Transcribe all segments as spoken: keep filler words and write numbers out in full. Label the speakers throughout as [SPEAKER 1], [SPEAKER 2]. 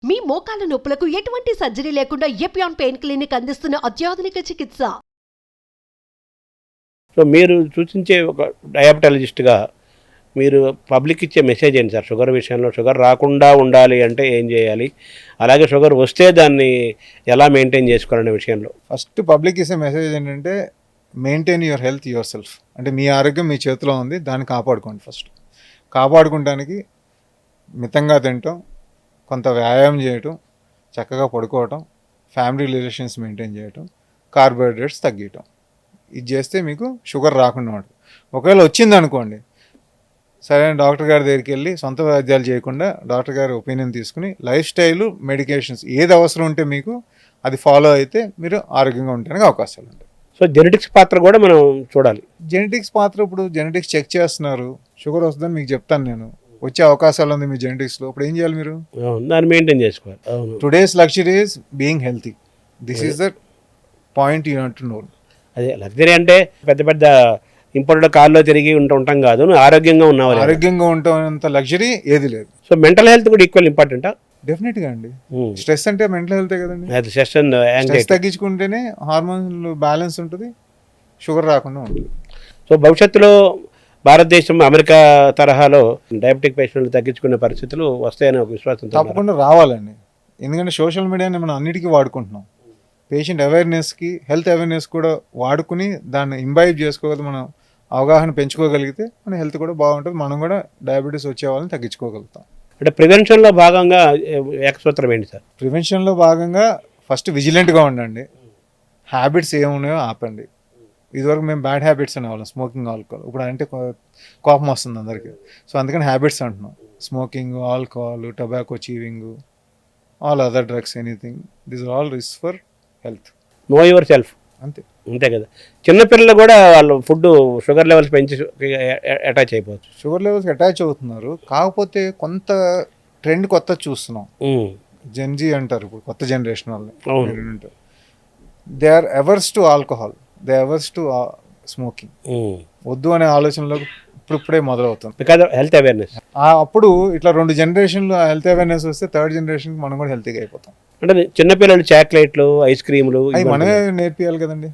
[SPEAKER 1] మీ మోకాల నొప్పులకు ఎటువంటి సర్జరీ లేకుండా ఎపియాన్ పెయిన్ క్లినిక్ అందిస్తున్న అత్యాధునిక చికిత్స.
[SPEAKER 2] సో మీరు సూచించే ఒక డయాబెటాలజిస్ట్గా మీరు పబ్లిక్ ఇచ్చే మెసేజ్ ఏంటి సార్? షుగర్ విషయంలో షుగర్ రాకుండా ఉండాలి అంటే ఏం చేయాలి, అలాగే షుగర్ వస్తే దాన్ని ఎలా మెయింటైన్ చేసుకోవాలనే విషయంలో
[SPEAKER 3] ఫస్ట్ పబ్లిక్ ఇచ్చే మెసేజ్ ఏంటంటే maintain your health yourself. అంటే మీ ఆరోగ్యం మీ చేతిలో ఉంది, దాన్ని కాపాడుకోండి. ఫస్ట్ కాపాడుకోవడానికి మితంగా తినటం, కొంత వ్యాయామం చేయటం, చక్కగా పడుకోవటం, ఫ్యామిలీ రిలేషన్స్ మెయింటైన్ చేయటం, కార్బోహైడ్రేట్స్ తగ్గించటం. ఇది చేస్తే మీకు షుగర్ రాకుండా ఉంటుంది. ఒకవేళ వచ్చింది అనుకోండి, సరైన డాక్టర్ గారి దగ్గరికి వెళ్ళి సొంత వైద్యాలు చేయకుండా డాక్టర్ గారి ఒపీనియన్ తీసుకుని లైఫ్ స్టైలు, మెడికేషన్స్ ఏది అవసరం ఉంటే మీకు అది ఫాలో అయితే మీరు ఆరోగ్యంగా ఉండడానికి అవకాశాలు ఉంటాయి.
[SPEAKER 2] సో జెనెటిక్స్ పాత్ర కూడా మనం చూడాలి.
[SPEAKER 3] జెనెటిక్స్ పాత్ర ఇప్పుడు జెనెటిక్స్ చెక్ చేస్తున్నారు. షుగర్ వస్తుందని మీకు చెప్తాను నేను, వచ్చే అవకాశాలు ఉంది మీ జెనెటిక్స్లో. ఇప్పుడు ఏం చేయాలి మీరు?
[SPEAKER 2] దాన్ని మెయింటైన్ చేసుకోవాలి.
[SPEAKER 3] Today's luxury is being healthy. This is the point you have to know.
[SPEAKER 2] అదే లగ్జరీ అంటే పెద్ద పెద్ద ఇంపోర్టెడ్ కార్లో తిరిగి ఉంటూ ఉంటాం కాదు, నువ్వు ఆరోగ్యంగా ఉన్నావు.
[SPEAKER 3] ఆరోగ్యంగా ఉంటామంత లగ్జరీ ఏది లేదు.
[SPEAKER 2] సో మెంటల్ హెల్త్ కూడా ఈక్వల్ ఇంపార్టెంటా?
[SPEAKER 3] డెఫినెట్గా అండి. స్ట్రెస్ అంటే మెంటల్ హెల్తే కదండి.
[SPEAKER 2] స్ట్రెస్
[SPEAKER 3] స్ట్రెస్ తగ్గించుకుంటేనే హార్మోన్లు బ్యాలెన్స్ ఉంటుంది, షుగర్ రాకుండా ఉంటుంది.
[SPEAKER 2] సో భవిష్యత్తులో భారతదేశం అమెరికా తరహాలో డయాబెటిక్ పేషెంట్లు తగ్గించుకునే పరిస్థితులు వస్తాయని ఒక విశ్వాసం
[SPEAKER 3] తప్పకుండా రావాలండి. ఎందుకంటే సోషల్ మీడియాని మనం అన్నిటికీ వాడుకుంటున్నాం. పేషెంట్ అవేర్నెస్కి, హెల్త్ అవేర్నెస్ కూడా వాడుకుని దాన్ని ఇంబైబ్ చేసుకోగలిగి మనం అవగాహన పెంచుకోగలిగితే మన హెల్త్ కూడా బాగుంటుంది, మనం కూడా డయాబెటీస్ వచ్చే వాళ్ళని తగ్గించుకోగలుగుతాం.
[SPEAKER 2] అంటే ప్రివెన్షన్లో భాగంగా ఏకసూత్రం ఏంటి సార్?
[SPEAKER 3] ప్రివెన్షన్లో భాగంగా ఫస్ట్ విజిలెంట్గా ఉండండి. హ్యాబిట్స్ ఏమున్నాయో ఆపండి. ఇదివరకు మేము బ్యాడ్ హ్యాబిట్స్ అనేవాళ్ళం, స్మోకింగ్, ఆల్కహాల్. ఇప్పుడు అంటే కోపం వస్తుంది అందరికీ. సో అందుకని హ్యాబిట్స్ అంటున్నాం. Smoking, alcohol, tobacco, chewing, all other drugs, anything, this are all risk for health.
[SPEAKER 2] Know yourself.
[SPEAKER 3] అంతే
[SPEAKER 2] అంతే కదా. చిన్నపిల్లలు కూడా వాళ్ళు ఫుడ్ షుగర్ లెవెల్స్ పెంచి అటాచ్ అయిపోవచ్చు.
[SPEAKER 3] షుగర్ లెవెల్స్కి అటాచ్ అవుతున్నారు. కాకపోతే కొంత ట్రెండ్ కొత్త చూస్తున్నాం. జెన్జీ అంటారు ఇప్పుడు, కొత్త జనరేషన్ వాళ్ళని. They are averse to alcohol, they averse to smoking. వద్దు అనే ఆలోచనలో ఇప్పుడు ఇప్పుడే మొదలవుతుంది.
[SPEAKER 2] Because of health awareness.
[SPEAKER 3] అప్పుడు ఇట్లా రెండు జనరేషన్లు హెల్త్ అవేర్నెస్ వస్తే థర్డ్ జనరేషన్కి మనం కూడా హెల్తీగా అయిపోతాం.
[SPEAKER 2] అంటే చిన్నపిల్లలు చాక్లెట్లు, ఐస్ క్రీములు
[SPEAKER 3] అవి మనమే నేర్పియాలి కదండి.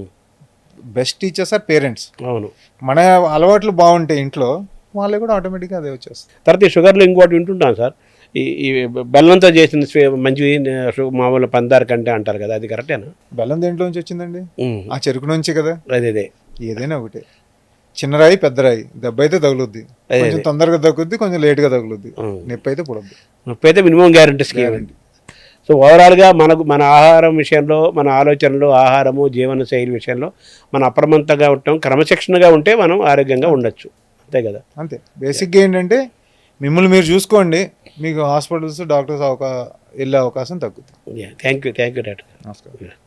[SPEAKER 3] Best teachers are parents.
[SPEAKER 2] అవును.
[SPEAKER 3] మన అలవాట్లు బాగుంటాయి ఇంట్లో, వాళ్ళే కూడా ఆటోమేటిక్గా అదే వచ్చేస్తుంది.
[SPEAKER 2] తర్వాత ఈ షుగర్లో ఇంకోటి వింటుంటాం సార్, ఈ ఈ బెల్లంతో చేసిన మంచి మామూలు పందారు కంటే అంటారు కదా, అది కరెక్టేనా?
[SPEAKER 3] బెల్లం దేంట్లో నుంచి వచ్చిందండి? ఆ చెరుకు నుంచి కదా.
[SPEAKER 2] అదే అదే
[SPEAKER 3] ఏదైనా ఒకటే, చిన్న రాయి పెద్ద రాయి, దెబ్బ అయితే తగులుద్ది, కొంచెం తొందరగా తగ్గుద్ది, కొంచెం లేట్గా తగులుద్ది, నొప్పి అయితే పుడద్దు.
[SPEAKER 2] నొప్పి అయితే మినిమం గ్యారంటీ గ్యారంటీ. సో ఓవరాల్గా మనకు మన ఆహారం విషయంలో, మన ఆలోచనలు, ఆహారము, జీవన శైలి విషయంలో మనం అప్రమత్తంగా ఉంటాం, క్రమశిక్షణగా ఉంటే మనం ఆరోగ్యంగా ఉండొచ్చు. అంతే కదా.
[SPEAKER 3] అంతే. బేసిక్గా ఏంటంటే మిమ్మల్ని మీరు చూసుకోండి, మీకు హాస్పిటల్స్, డాక్టర్స్ అవకా వెళ్ళే అవకాశం తగ్గుతుంది.
[SPEAKER 2] Thank you thank you doctor.
[SPEAKER 3] నమస్కారం.